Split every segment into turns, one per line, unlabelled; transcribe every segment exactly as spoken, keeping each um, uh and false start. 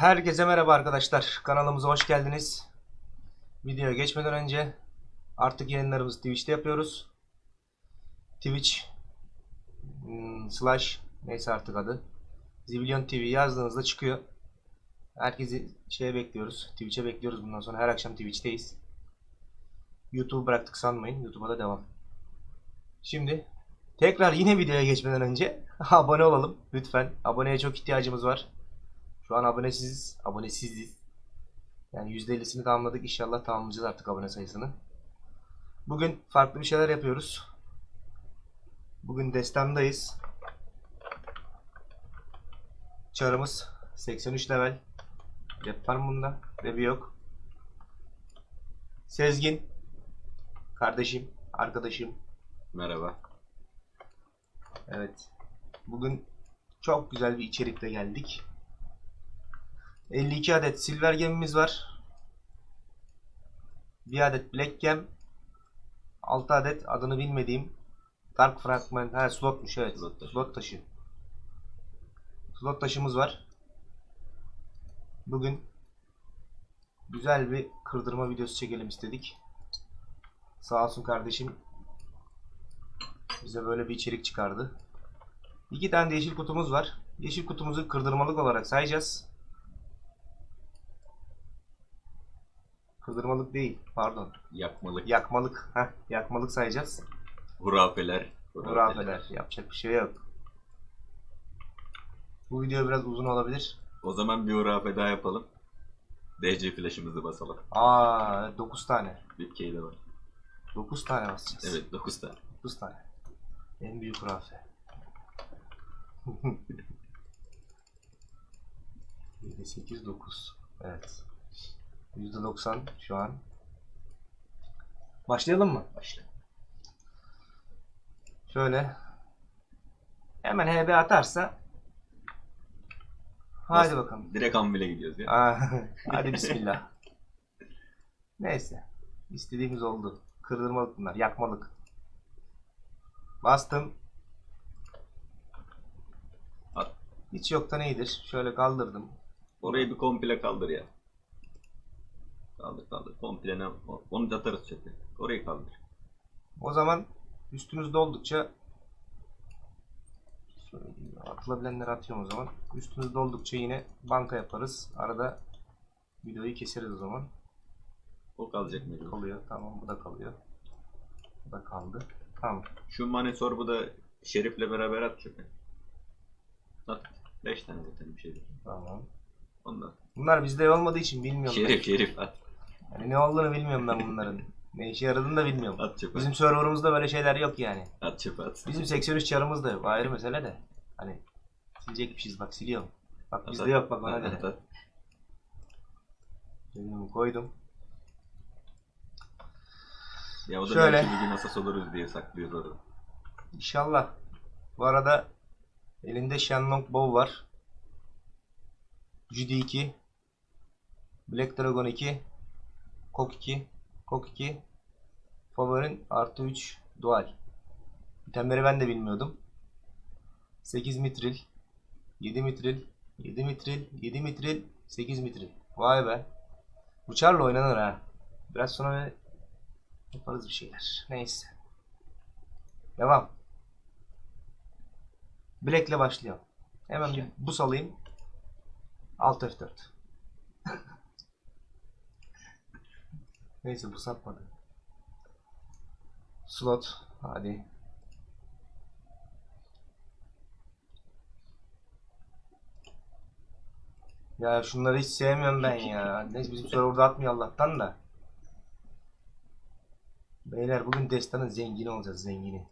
Herkese merhaba arkadaşlar. Kanalımıza hoş geldiniz. Videoya geçmeden önce artık yayınlarımızı Twitch'te yapıyoruz. Twitch hmm, slash neyse artık adı. Zibilyon T V yazdığınızda çıkıyor. Herkesi şeye bekliyoruz. Twitch'e bekliyoruz bundan sonra. Her akşam Twitch'teyiz. YouTube'u bıraktık sanmayın. YouTube'a da devam. Şimdi tekrar yine videoya geçmeden önce abone olalım. Lütfen. Aboneye çok ihtiyacımız var. Şu an abonesiziz. Abonesiziz. Yani yüzde ellisini tamamladık. İnşallah tamamlayacağız artık abone sayısını. Bugün farklı bir şeyler yapıyoruz. Bugün destandayız. Çarımız seksen üç level. Rap var mı bunda? Rap'i yok. Sezgin. Kardeşim. Arkadaşım.
Merhaba.
Evet. Bugün çok güzel bir içerikle geldik. elli iki adet silver gemimiz var. Bir adet black gem. altı adet adını bilmediğim dark fragment. Ha, slotmuş, evet.
Slot taşı.
Slot taşı. Slot taşımız var. Bugün güzel bir kırdırma videosu çekelim istedik. Sağ olsun kardeşim bize böyle bir içerik çıkardı. İki tane de yeşil kutumuz var. Yeşil kutumuzu kırdırmalık olarak sayacağız. Kırdırmalık değil, pardon.
Yakmalık.
Yakmalık. Heh, yakmalık sayacağız.
Hurafeler.
Hurafeler. Yapacak bir şey yok. Bu video biraz uzun olabilir.
O zaman bir hurafe daha yapalım. D C flash'ımızı basalım.
Aa, dokuz tane.
Bir key de var.
dokuz tane basacağız.
Evet, dokuz tane.
dokuz tane. En büyük hurafe. yedi, sekiz, dokuz. Evet. yüzde doksan şu an. Başlayalım mı?
Başla.
Şöyle. Hemen H B atarsa. Hadi
Nasıl?
bakalım.
Direkt Anvil'e gidiyoruz ya.
Aa, hadi bismillah. Neyse. İstediğimiz oldu. Kırdırmalık bunlar. Yakmalık. Bastım.
At.
Hiç yoktan iyidir. Şöyle kaldırdım.
Orayı bir komple kaldır ya. Kaldır kaldır. Komple ne? Onu da atarız çöpe. Orayı kaldır.
O zaman üstümüzde oldukça atılabilenleri atıyorum o zaman. Üstümüzde oldukça yine banka yaparız. Arada videoyu keseriz o zaman.
O kalacak mı?
Kalıyor. Tamam, bu da kalıyor. Bu da kaldı. Tamam.
Şu Mane sorbu da Şerif'le beraber at çöpe. At. beş tane zaten bir şey değil.
Tamam.
Ondan.
Bunlar bizde olmadığı için bilmiyorum
Şerif
ben.
Şerif at.
Yani ne olduğunu bilmiyorum ben bunların. Ne işe yaradığını da bilmiyorum.
At çöpe.
Bizim serverımızda böyle şeyler yok yani.
At çöpe at.
Bizim seksen üç çarımız da yok. Ayrı mesele de. Hani silecekmişiz, bak siliyorum. Bak bizde
At,
yok, bak ona
at,
göre.
at, at.
Dedim, koydum.
Ya o da
Şöyle.
belki bir gün asas oluruz diye saklıyoruz orada.
İnşallah. Bu arada elinde Shenlong Bow var. Judy iki. Black Dragon iki. Kok iki. Kok iki. Favorin artı üç. Dual. İtemleri ben de bilmiyordum. sekiz mitril. yedi mitril. yedi mitril. yedi mitril. sekiz mitril. Vay be. Bu çarla oynanır ha. Biraz sonra yaparız bir şeyler. Neyse. Devam. Black ile başlayalım. Hemen bir bus alayım. Alt F dört. Neyse, bu satmadı. Slot. Hadi. Ya şunları hiç sevmiyorum ben ya. Neyse, bizim serverda atmıyor Allah'tan da. Beyler bugün destanın zengini olacağız, zengini.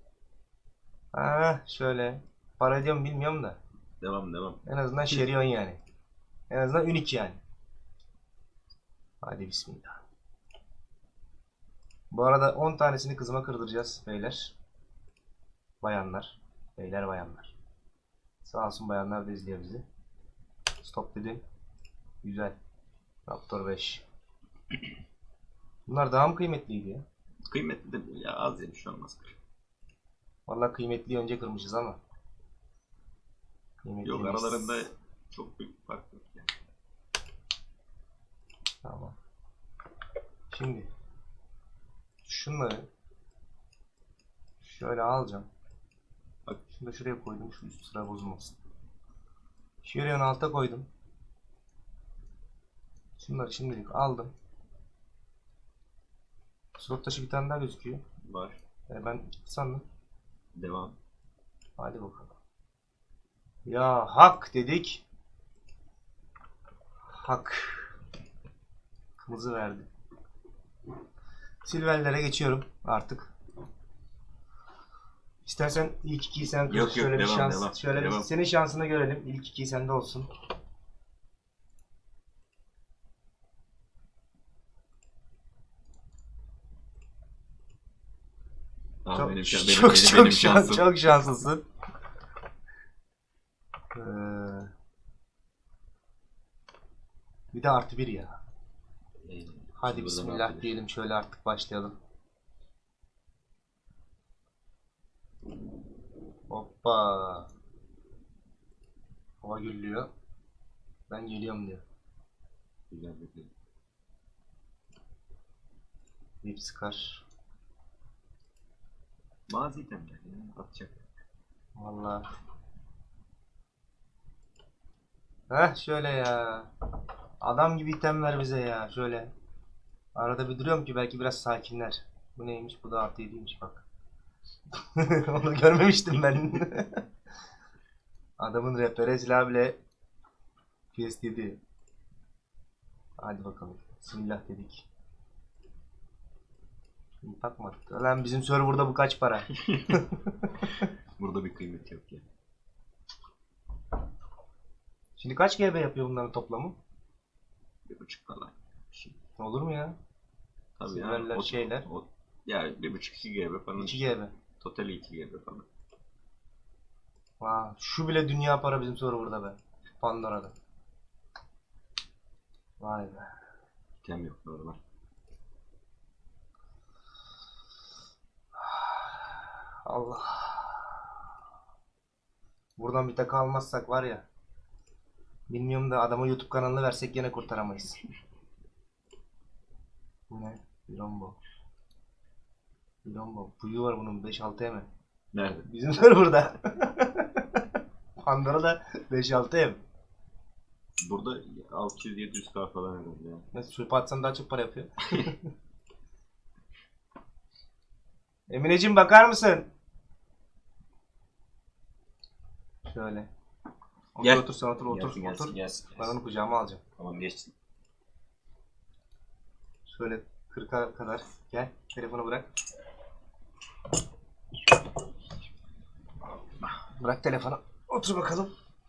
Ha şöyle. Para ediyor mu bilmiyorum da.
Devam devam.
En azından şeriyon yani. En azından unik yani. Hadi bismillah. Bu arada on tanesini kızıma kırdıracağız beyler. Bayanlar. Beyler bayanlar. Sağ olsun bayanlar da izliyor bizi. Stop dedim. Güzel. Raptor beş. Bunlar daha mı kıymetliydi ya?
Kıymetli de ya az yemiş olmaz.
Vallahi kıymetliyi önce kırmışız ama. Kıymetli
Yok
miyiz?
aralarında çok büyük fark yok yani.
Şimdi şunları şöyle alacağım.
Bak.
Şunu da şuraya koydum. Şu üst sıra bozulmasın. Şuraya alta koydum. Şunları şimdilik aldım. Slot taşı bir tane daha gözüküyor.
Var.
Yani ben sandım.
Devam.
Hadi bakalım. Ya hak dedik. Hak. Kırmızı verdi. Silverlere geçiyorum artık. İstersen ilk ikiyi sen kır.
Yok, yok,
şöyle bir
devam,
şans.
devam,
şöyle bir
devam.
senin şansını görelim. İlk ikiyi sende olsun.
Aa,
Çok
benim,
çok
şan- benim,
çok,
benim,
çok,
benim
şans-
şansım.
çok şanslısın. Ee, bir de artı bir ya.
Ee,
Hadi
şimdi buradan
bismillah
artık-
diyelim, şöyle artık başlayalım. Hoppa. Hava gürlüyor. Ben geliyorum diyor.
Güzel bir şey.
Bir sıkar.
Bazı itemler ya atacak.
Vallahi. Heh şöyle ya. Adam gibi item ver bize ya. Şöyle. Arada bir duruyorum ki belki biraz sakinler. Bu neymiş? Bu da artı yediymiş bak. Onu görmemiştim ben. Adamın rehbere silah bile P S yedi. Hadi bakalım. Bismillah dedik. Şimdi takmadık. Lan bizim serverda bu kaç para?
Burada bir kıymet yok ya.
Şimdi kaç G B yapıyor bunların toplamı?
Bir buçuk falan. Şey.
Olur mu ya?
Tabii
Silverler,
ya. O,
şeyler.
O, ya bir buçuk iki G B falan.
iki G B.
Totali iki G B falan.
Vay, şu bile dünya para bizim serverda be. Pandora'da. Vay be.
İtem yok normal.
Allah. Buradan bir takı almazsak var ya. Bilmiyorum da adama YouTube kanalını versek yine kurtaramayız. Bu ne? Bilombo. Bilombo. Buyu var bunun beş altı M.
Nerede?
Bizim serverda. Pandora'da beş altı M.
Burada altı yüz yedi yüz K falan herhalde ya.
Nasıl çöpe atsan daha çok para yapıyor. Emineciğim bakar mısın? Şöyle. Otur
Gel.
otur sen otur otur
Gelsin, gelsin,
otur.
gelsin,
Ben
gelsin.
onu kucağıma alacağım.
Tamam geçsin.
Şöyle kırka kadar gel. Telefonu bırak. Bırak telefonu. Otur bakalım.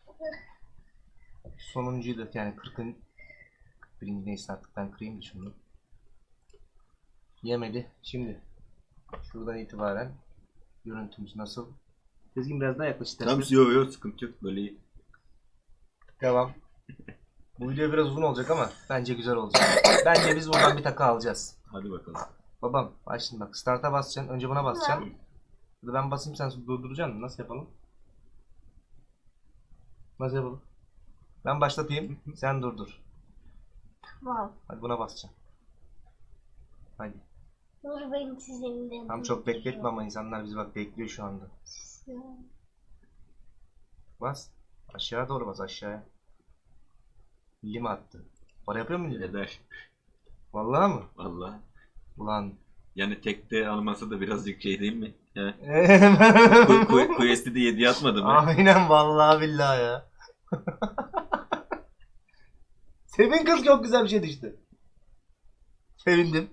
Sonuncuyu da yani kırkın kırk birinci neyse artık ben kırayım da şunu. Yemedi. Şimdi şuradan itibaren görüntümüz nasıl? Sezgin biraz daha yaklaş istersen.
Tamam yok yok sıkıntı yok böyle iyi.
Devam. Bu video biraz uzun olacak ama bence güzel olacak. Bence biz buradan bir takı alacağız.
Hadi bakalım.
Babam bak şimdi bak start'a basacaksın. Önce buna basacaksın. Ya da ben basayım sen durduracaksın. Nasıl yapalım? Nasıl yapalım? Ben başlatayım. Sen durdur.
Tamam.
Hadi buna basacaksın. Hadi.
Dur ben sizin de.
Tam çok bekletme ama insanlar bizi bak bekliyor şu anda. Bas. Aşağı doğru bas aşağıya. Lima attı. Para yapıyor mu millet?
Eder.
Vallahi mı?
Valla.
Ulan.
Yani tekte alması da birazcık şey değil mi? He. Ku- ku- Quest'i de yediye atmadı mı?
Aynen vallahi billahi ya. Sevin kız çok güzel bir şey düştü. Sevindim.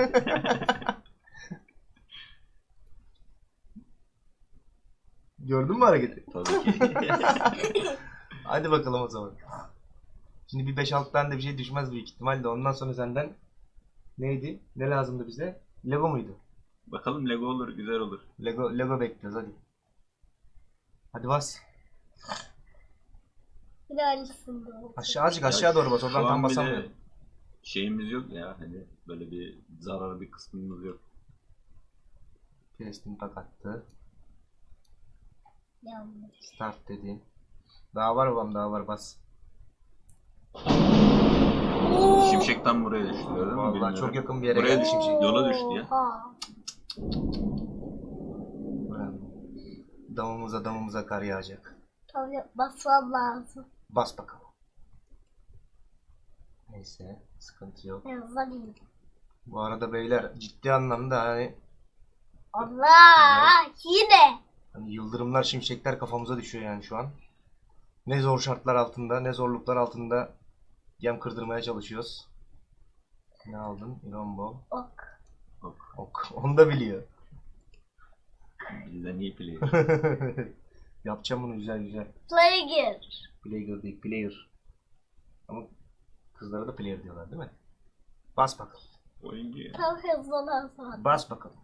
Gördün mü hareketi?
Tabii ki.
Hadi bakalım o zaman. Şimdi bir beş altı tane de bir şey düşmez büyük ihtimalle. Ondan sonra senden neydi? Ne lazımdı bize? Lego muydu?
Bakalım Lego olur, güzel olur.
Lego Lego bekliyoruz hadi. Hadi bas.
Bir de aynısında oldu.
Aşağı azıcık aşağı doğru bas. Oradan
Şu
tam
an bile
basamıyorum.
şeyimiz yok ya hani böyle bir zararlı bir kısmımız yok.
Kestim tak attı.
Yanlış.
Start dedi. Daha var babam daha var bas.
Şimşek tam buraya düştü gördün mü?
Vallahi
Bilmiyorum.
çok yakın bir yere
Buraya
geldi şimdi.
Yola düştü ya.
Oha.
Damımıza damımıza kar yağacak.
Tabii basmam lazım.
Bas bakalım. Neyse, sıkıntı yok.
Yazayım.
Bu arada beyler ciddi anlamda hani,
Allah yine.
hani yıldırımlar, şimşekler kafamıza düşüyor yani şu an. Ne zor şartlar altında, ne zorluklar altında yem kırdırmaya çalışıyoruz. Ne aldın? Irombo.
Ok.
Bak,
Ok. Onu da biliyor.
bizden iyi player.
Yapacağım bunu güzel güzel.
Player.
Player değil, player. Ama kızlara da player diyorlar değil mi? Bas bakalım.
Oyuncu ya.
Tam hızlanan
Bas bakalım.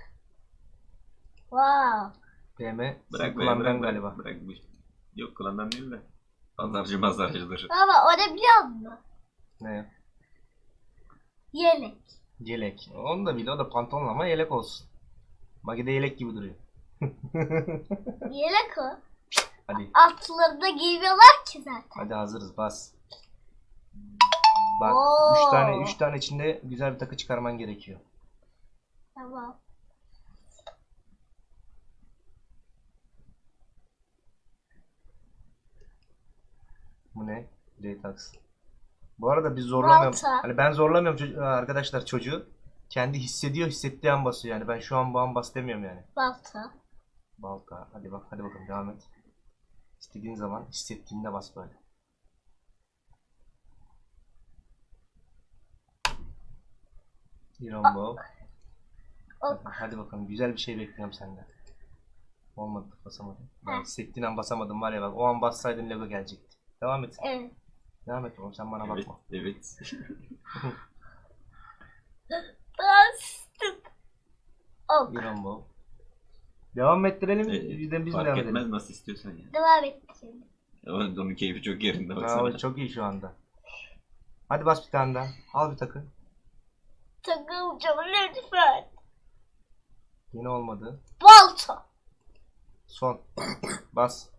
Wow.
P M
Bırak be,
kullandan
bırak,
galiba.
bırak, bırak bu. Yok klandan değil de. Pazarcı mazarcıdır.
Ama o ne biliyor musun?
Ne?
Yelek.
Yelek. Onu da biliyor, o da pantolon ama yelek olsun. Magide yelek gibi duruyor.
Yelek o.
Hadi.
Altlarında giymiyorlar ki zaten.
Hadi hazırız, bas. Bak,
Oo.
üç tane üç tane içinde güzel bir takı çıkarman gerekiyor.
Tamam.
Bu ne? J-Tax. Bu arada biz zorlamıyorum.
Balta.
Hani ben zorlamıyorum çocuğu, arkadaşlar çocuğu. Kendi hissediyor, hissettiği an basıyor yani. Ben şu an bu an bas demiyorum yani.
Balta.
Balta. Hadi bak, hadi bakalım devam et. İstediğin zaman hissettiğinde bas böyle. Irombo. Hadi,
Ok.
hadi bakalım, güzel bir şey bekliyorum senden. Olmadı, basamadım. Ben
Heh.
hissettiğin an basamadım var ya, bak o an bassaydın Lego gelecekti. Devam et.
Evet.
Devam et oğlum, sen bana
Evet,
bakma.
evet.
Bastım. Ok.
Irombo. Devam ettirelim.
Ee,
Biz de biz mi
Fark
devam
etmez
edelim?
nasıl istiyorsan ya.
Devam et şimdi.
Onun, onun keyfi çok yerinde
Ha,
baksana.
o çok iyi şu anda. Hadi bas bir tane daha. Al bir takı.
Takılacağım lütfen.
Yine olmadı.
Balta.
Son. Bas.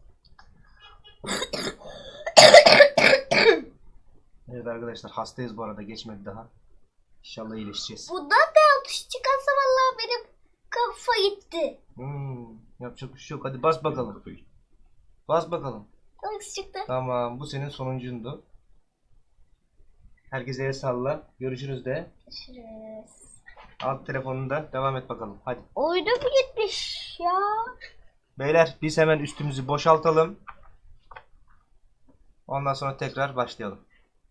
Evet arkadaşlar, hastayız bu arada, geçmedi daha. İnşallah iyileşeceğiz.
Bundan da atış çıkarsa vallahi benim kafa gitti.
Hmm, yapacak bir şey yok. Hadi bas bakalım. Bas bakalım.
Atış çıktı.
Tamam, bu senin sonuncundu. Herkese el salla. Görüşürüz de.
Görüşürüz.
Alt telefonunda devam et bakalım. Hadi.
Oyunu mu gitmiş ya?
Beyler biz hemen üstümüzü boşaltalım. Ondan sonra tekrar başlayalım.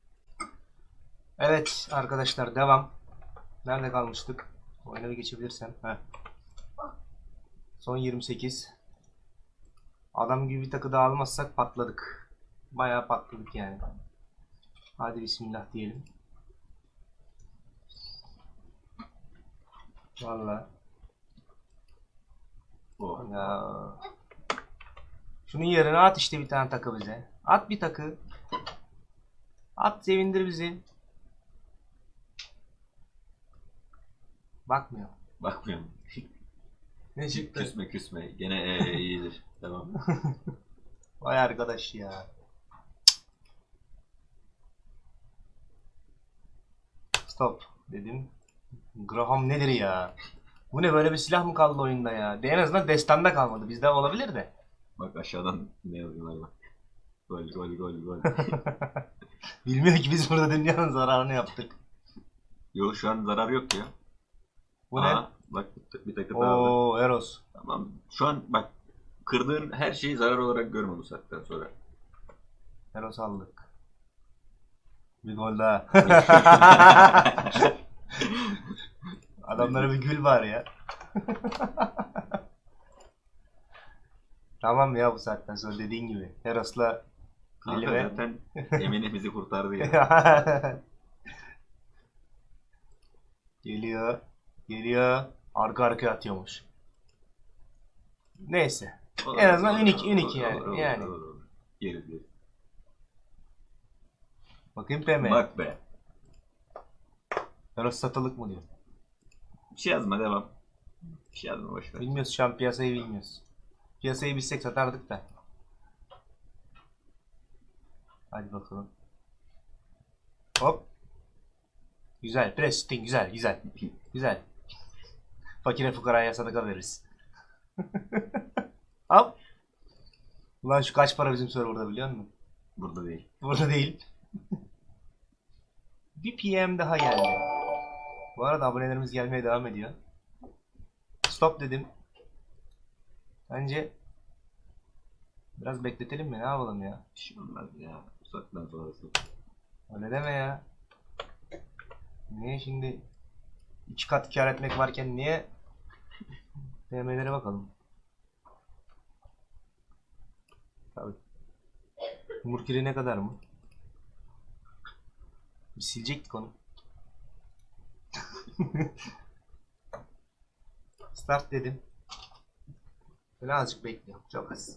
Evet arkadaşlar, devam. Nerede kalmıştık? Oyuna bir geçebilirsem. Heh. Son yirmi sekiz. Adam gibi bir takı daha almazsak patladık. Bayağı patladık yani. Hadi bismillah diyelim. Vallahi.
Oh.
Ya. Şunun yerine at işte bir tane takı bize. At bir takı. At, sevindir bizi. Bakmıyor.
Bakmıyorum.
Ne çıktı?
Küsme küsme. Gene ee, iyidir. Tamam.
Vay arkadaş ya. Stop dedim. Graham nedir ya? Bu ne, böyle bir silah mı kaldı oyunda ya? De en azından destanda kalmadı. Bizde olabilir de.
Bak aşağıdan ne yazıyorlar bak. Gol gol gol gol.
Bilmiyor ki biz burada dünyanın zararını yaptık.
Yok şu an zarar yok ya.
Bu
Aa,
ne?
bak bir, bir takı daha aldı.
Oo, Eros.
Tamam. Şu an bak kırdığın her şeyi zarar olarak görme bu saatten sonra.
Eros aldık. Bir gol daha. Adamlara bir gül var ya. Tamam ya, bu saatten sonra dediğin gibi. Eros'la
Kanka
elime.
zaten Emine bizi kurtardı ya.
Geliyor. Geliyor. Arka arkaya atıyormuş. Neyse. En azından unik, unik yani. Yani.
Yeriz yeriz.
Bakayım P M.
Bak be.
Eros satılık mı diyor.
Bir şey yazma devam. Bir şey yazma boşver.
Bilmiyoruz şu an, piyasayı bilmiyoruz. Piyasayı bilsek satardık da. Hadi bakalım. Hop. Güzel. Prestin güzel güzel. Güzel. Fakire fukaraya sadaka veririz. Al. Ulan şu kaç para bizim serverda biliyor musun?
Burada değil.
Burada değil. Bir P M daha geldi. Bu arada abonelerimiz gelmeye devam ediyor. Stop dedim. Bence biraz bekletelim mi? Ne yapalım ya?
Bir şey olmaz ya. Uzaktan sonrası.
Öyle deme ya. Niye şimdi iki kat kar etmek varken niye P M'lere bakalım. Tabii. Murkiri ne kadar mı? Bir silecektik onu. Start dedim. Böyle azıcık bekliyorum. Çok az.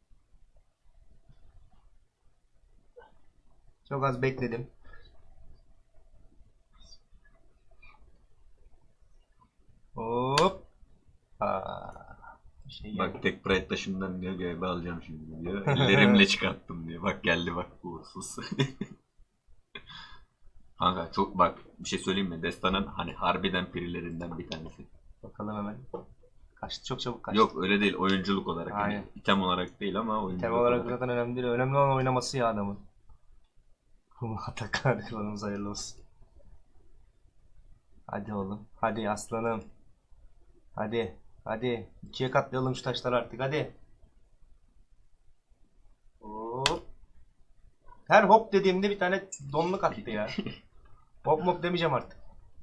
Çok az bekledim. Hop. Aa, bir şey geldi.
Bak tek pride taşımdan diyor göğe alacağım şimdi diyor. Ellerimle çıkarttım diyor. Bak geldi bak uğursuz. Kanka çok bak bir şey söyleyeyim mi? Destanın hani harbiden pirilerinden bir tanesi.
Bakalım hemen. Kaçtı, çok çabuk kaçtı.
Yok öyle değil oyunculuk olarak.
Aynen.
Hani item olarak değil ama oyunculuk
Tema olarak zaten önemli değil. Önemli olan oynaması ya adamın. Atakan klanımız hayırlı olsun. Hadi oğlum. Hadi aslanım. Hadi. Hadi. İkiye katlayalım şu taşları artık. Hadi. Hop. Her hop dediğimde bir tane donluk attı ya. Hop hop demeyeceğim artık.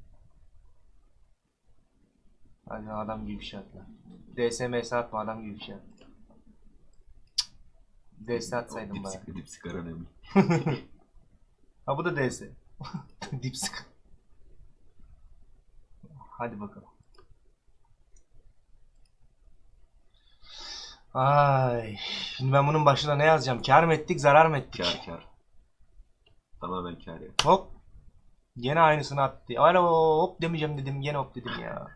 Hadi adam gibi bir şey atla. D S M S atma, adam gibi bir şey at. D S atsaydım bana.
Dipsik, dipsik önemli.
Ha bu da D S. Dipsik. Hadi bakalım. Ay, şimdi ben bunun başına ne yazacağım? Kar mı ettik, zarar mı ettik?
Kar kar. Tamamen kar ya.
Hop. Yine aynısını attı. Alo hop demeyeceğim dedim, yine hop dedim ya.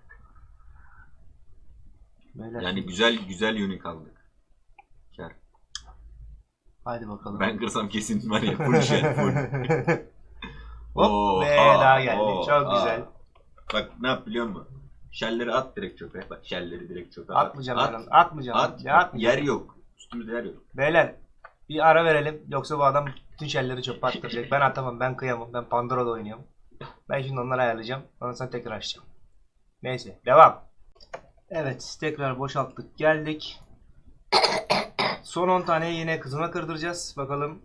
Böyle.
Yani güzel güzel unique aldık. Kar.
Hadi bakalım.
Ben kırsam kesin var ya full shell full.
Hop
Oo,
ve
aa,
daha geldi.
oo,
Çok
aa.
güzel.
Bak ne yap biliyor musun? Şelleri at direkt çöpe. Bak şelleri direkt çöpe.
Atmayacağım
at.
ben onu. Atmayacağım.
At.
Ya atmayacağım.
Yer yok. Üstümüzde yer yok.
Beyler bir ara verelim. Yoksa bu adam bütün şelleri çöpe attıracak. Ben atamam. Ben kıyamam. Ben Pandora'da oynuyorum. Ben şimdi onları ayarlayacağım. Ondan sonra tekrar açacağım. Neyse. Devam. Evet. Tekrar boşalttık. Geldik. Son on taneyi yine kızıma kırdıracağız. Bakalım.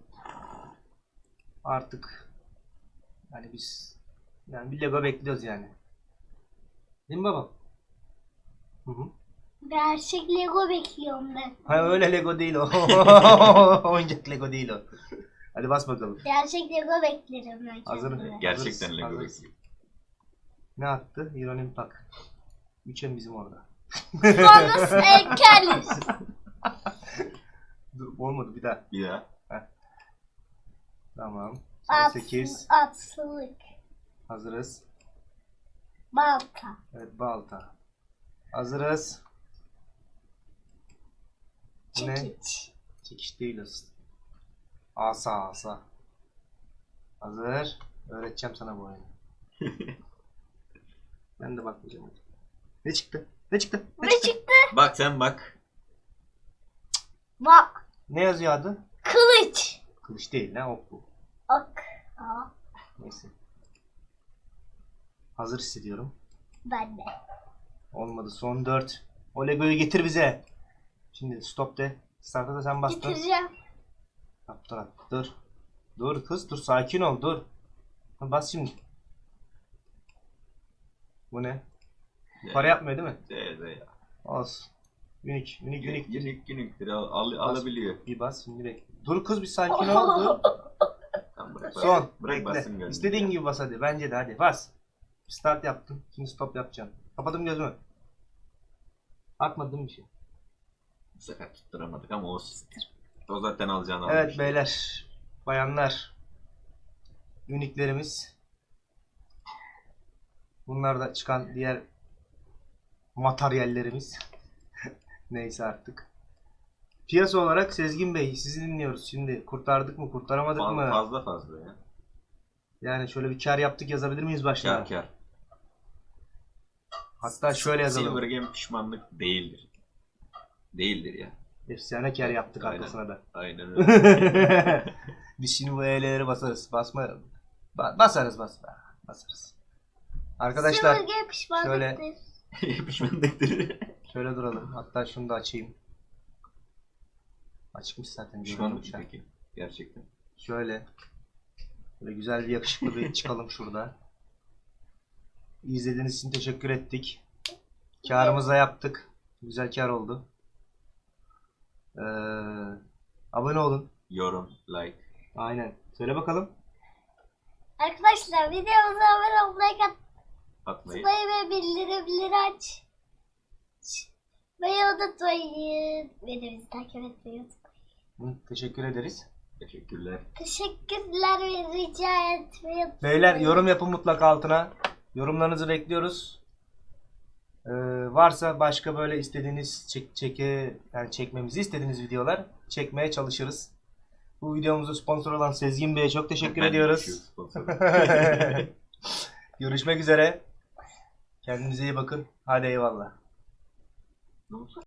Artık. Yani biz. Yani bir Lego bekliyoruz yani. Değil mi baba? Hı hı.
Gerçek Lego bekliyorum ben.
Ha öyle Lego değil o. Oyuncak Lego değil o. Hadi bas bakalım.
Gerçek Lego beklerim ben
Hazır mı?
kendime.
Gerçekten
Hazırız,
Lego
hazırız.
bekliyor.
Ne attı? Ironim tak. Üçem bizim orada.
Bonus ekeriz.
Dur, olmadı bir daha.
Bir daha.
Tamam.
At,
sekiz.
Atlık.
Hazırız.
Balta.
Evet balta. Hazırız. Bu ne?
Çekiç.
Çekiş değil aslında. Asa asa. Hazır. Öğreteceğim sana bu oyunu. Ben de bakmayacağım hadi. Ne çıktı? Ne çıktı?
Ne çıktı?
Bak sen bak.
Bak.
Ne yazıyor adı?
Kılıç.
Kılıç değil ne ok bu.
Ok. Aa,
Neyse. Hazır hissediyorum.
ben de.
Olmadı. Son dört. O Lego'yu getir bize. Şimdi stop de. Start'a da sen bastın.
Getireceğim.
Yap, dur, dur. Dur kız dur. Sakin ol dur. Bas şimdi. Bu ne? Para yapmıyor değil mi?
De, de ya.
Olsun. Unik. Unik unik.
Günlük günlüktür. Al, al, alabiliyor.
Bir bas şimdi bekle. Dur kız bir sakin ol. Dur.
Tamam, bırak,
Son.
Bırak bassın
Bekle.
gönlünü.
İstediğin gibi bas hadi. Bence de hadi. Bas. Start yaptım. Şimdi stop yapacağım. Kapadım gözümü. Atmadım bir şey.
Bu sefer tutturamadık ama olsun. O zaten alacağını
Evet
almış.
beyler. Bayanlar. Uniklerimiz. Bunlar da çıkan diğer materyallerimiz. Neyse artık. Piyasa olarak Sezgin Bey sizi dinliyoruz. Şimdi kurtardık mı kurtaramadık
Fa-
mı?
Fazla fazla ya.
Yani şöyle bir kar yaptık yazabilir miyiz başına?
Kar kar.
Hatta şöyle yazalım.
Silver Game pişmanlık değildir. Değildir ya.
Efsane kar yaptık
Aynen.
arkasına da.
Aynen öyle.
Biz şimdi bu E'leri basarız. Basma. Ba- basarız bas. Basarız. Arkadaşlar
Silver pişmanlıktır.
Pişmanlıktır.
şöyle duralım. Hatta şunu da açayım. Açmış zaten.
Pişmanlık
görüyorum şu an.
peki. Gerçekten.
Şöyle. Böyle güzel bir yakışıklı bir çıkalım şurada. İzlediğiniz için teşekkür ettik. Karımızı da yaptık. Güzel kar oldu. Ee, abone olun.
Yorum, like.
Aynen. Söyle bakalım.
Arkadaşlar videomuza abone olmayı,
Atmayı.
katmayı ve bildirimleri aç. Beni unutmayın. Beni bizi takip etmeyi unutmayın.
Hı, teşekkür ederiz.
Teşekkürler.
Teşekkürler ve rica etmeyi unutmayın.
Beyler yorum yapın mutlaka altına. Yorumlarınızı bekliyoruz. Ee, varsa başka böyle istediğiniz çek, çeke yani çekmemizi istediğiniz videolar çekmeye çalışırız. Bu videomuzu sponsor olan Sezgin Bey'e çok teşekkür
Ben de
ediyoruz.
şu sponsorum.
Görüşmek üzere. Kendinize iyi bakın. Hadi eyvallah.
Ne oldu?